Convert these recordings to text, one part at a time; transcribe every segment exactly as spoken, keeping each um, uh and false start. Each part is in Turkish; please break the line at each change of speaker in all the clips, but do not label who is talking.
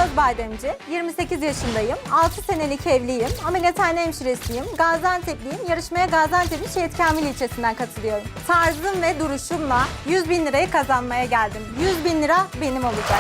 Özbademci, yirmi sekiz yaşındayım, altı senelik evliyim, ameliyathane hemşiresiyim, Gaziantep'liyim, yarışmaya Gaziantep'in Şehit Kamil ilçesinden katılıyorum. Tarzım ve duruşumla yüz bin lirayı kazanmaya geldim. yüz bin lira benim olacak.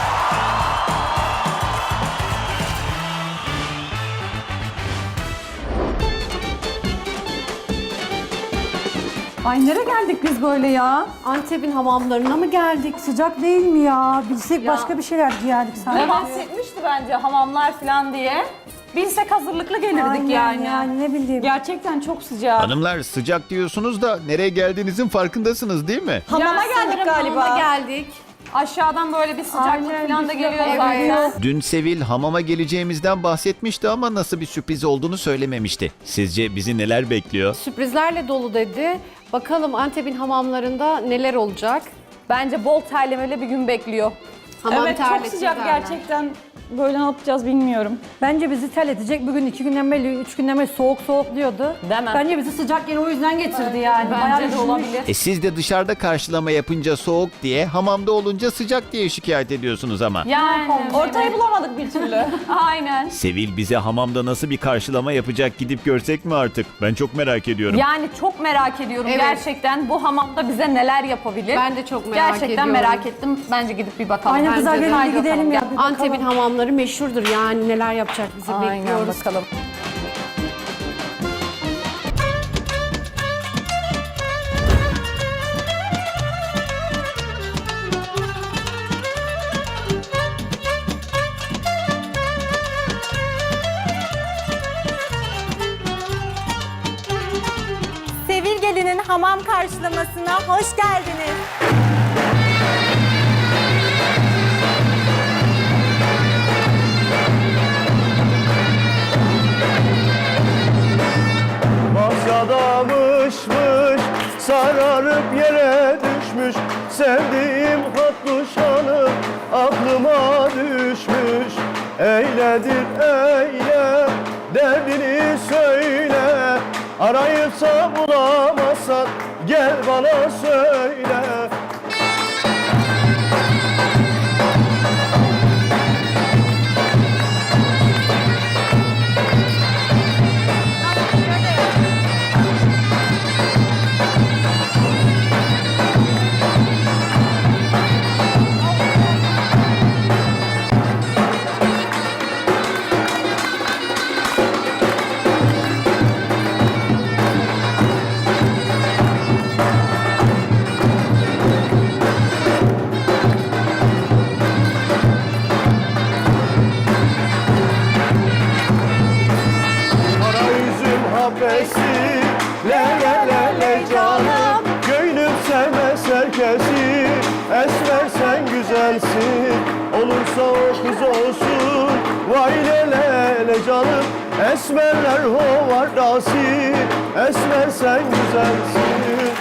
Ay nereye geldik biz böyle ya?
Antep'in hamamlarına mı geldik?
Sıcak değil mi ya? Bilsek
Ya.
başka bir şeyler giyerdik
Ne
sanki.
bahsetmişti bence hamamlar falan diye. Bilsek hazırlıklı gelirdik
Aynen
yani.
yani ne bileyim.
Gerçekten çok sıcak.
Hanımlar sıcak diyorsunuz da nereye geldiğinizin farkındasınız değil mi?
Hamama
Ya
geldik
sanırım
galiba.
hamama geldik.
Aşağıdan böyle bir sıcaklık
Aynen,
falan da
bir
geliyor
sıcak
zaten.
geliyor.
Dün Sevil hamama geleceğimizden bahsetmişti ama nasıl bir sürpriz olduğunu söylememişti. Sizce bizi neler bekliyor?
Sürprizlerle dolu dedi. Bakalım Antep'in hamamlarında neler olacak?
Bence bol terlemeli bir gün bekliyor.
Hamam
evet çok
terletici
sıcak
derler.
gerçekten. Böyle ne yapacağız bilmiyorum.
Bence bizi terletecek. Bugün iki günden beri, üç günden beri soğuk soğuk diyordu.
Değil mi?
Bence bizi sıcak yeri o yüzden getirdi yani. Bayağı
Bence de
üşümüş.
olabilir.
E siz de dışarıda karşılama yapınca soğuk diye, hamamda olunca sıcak diye şikayet ediyorsunuz ama.
Yani ortayı bulamadık bir türlü. Aynen.
Sevil bize hamamda nasıl bir karşılama yapacak gidip görsek mi artık? Ben çok merak ediyorum.
Yani çok merak ediyorum
Evet.
gerçekten bu hamamda bize neler yapabilir.
Ben de çok merak
gerçekten
ediyorum.
merak ettim. Bence gidip bir bakalım.
Aynen
Bence
kızlar
de.
gelin
Haydi
bir gidelim
bakalım.
ya. bir bakalım.
Antep'in hamamları meşhurdur yani neler yapacak bizi
Aynen
bekliyoruz.
bakalım.
Sevil Gelin'in hamam karşılamasına hoş geldiniz.
Masada mışmış, sararıp yere düşmüş. Sevdiğim hatlı şanı aklıma düşmüş. Eyledir eyle, derdini söyle. Arayıpsa bulamazsan gel bana söyle. Kara yüzüm habesi, le le le le canım. Gönlüm sevmez herkesi, esmer sen güzelsin. Olursa o kız olsun, vay le le le canım. Esmerler hovardası, esmer sen güzelsin.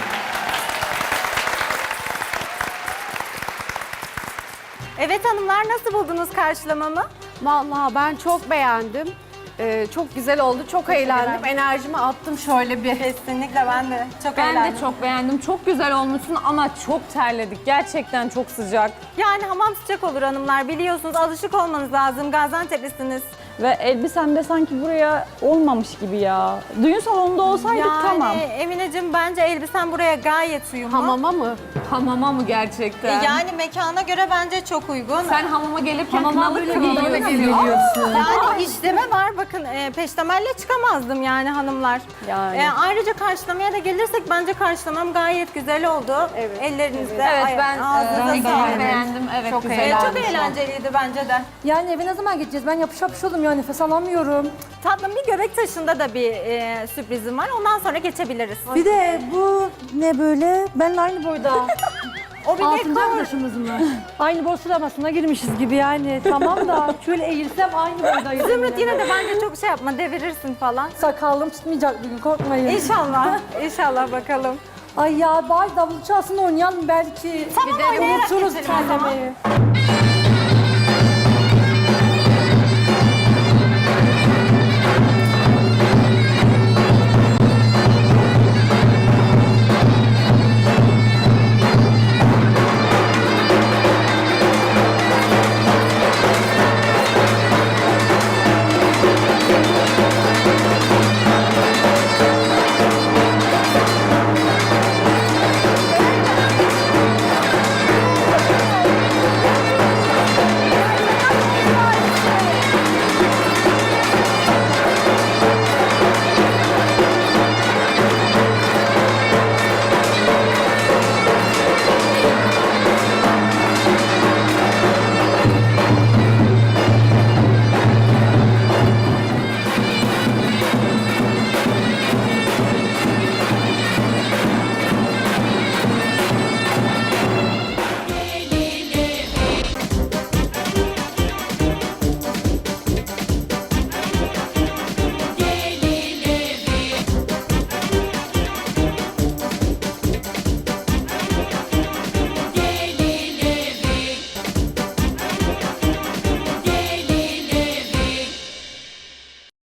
Evet hanımlar, nasıl buldunuz karşılamamı?
Vallahi ben çok beğendim. Ee, çok güzel oldu, çok eğlendim. Enerjimi attım şöyle bir.
Kesinlikle ben de çok
Ben
eğlendim.
de çok beğendim. Çok güzel olmuşsun ama çok terledik. Gerçekten çok sıcak.
Yani hamam sıcak olur hanımlar, biliyorsunuz, alışık olmanız lazım. Gaziantep'lisiniz.
Ve elbisen de sanki buraya olmamış gibi ya. Düğün salonunda olsaydık
Yani
tamam.
Emineciğim, bence elbisen buraya gayet uyumlu.
Hamama mı?
Hamama mı gerçekten?
Yani mekana göre bence çok uygun.
Sen hamama gelirken
Hamama
kınalı
böyle
kınalı
geliyorsun.
geliyorsun.
Yani işleme var, bakın e, peştemelle çıkamazdım yani hanımlar.
Yani.
E, ayrıca karşılamaya da gelirsek bence karşılamam gayet güzel oldu.
Evet.
Ellerinizde,
Evet
ay-
ben
ağzınıza
e,
sağlık.
beğendim. Evet
Çok
güzel.
E,
eğlendim.
çok eğlenceliydi bence de.
Yani eve ne zaman gideceğiz? Ben yapış yapış oldum ya, nefes alamıyorum.
Tatlım, bir göbek taşında da bir e, sürprizim var. Ondan sonra geçebiliriz.
Bir de bu ne böyle? Benimle aynı boyda.
O bir
Altıncı
dekor.
arkadaşımız mı? Aynı boy sıralamasına girmişiz gibi yani. Tamam da şöyle eğilsem aynı boydayız.
Zümrüt, yine de bence çok şey yapma, devirirsin falan.
Sakallım tutmayacak bugün, korkmayın.
İnşallah, inşallah bakalım.
Ay ya bari davul çalsın oynayalım belki.
Tamam,
Bir de
oynayarak
unuturuz
geçelim o zaman.
terlemeyi.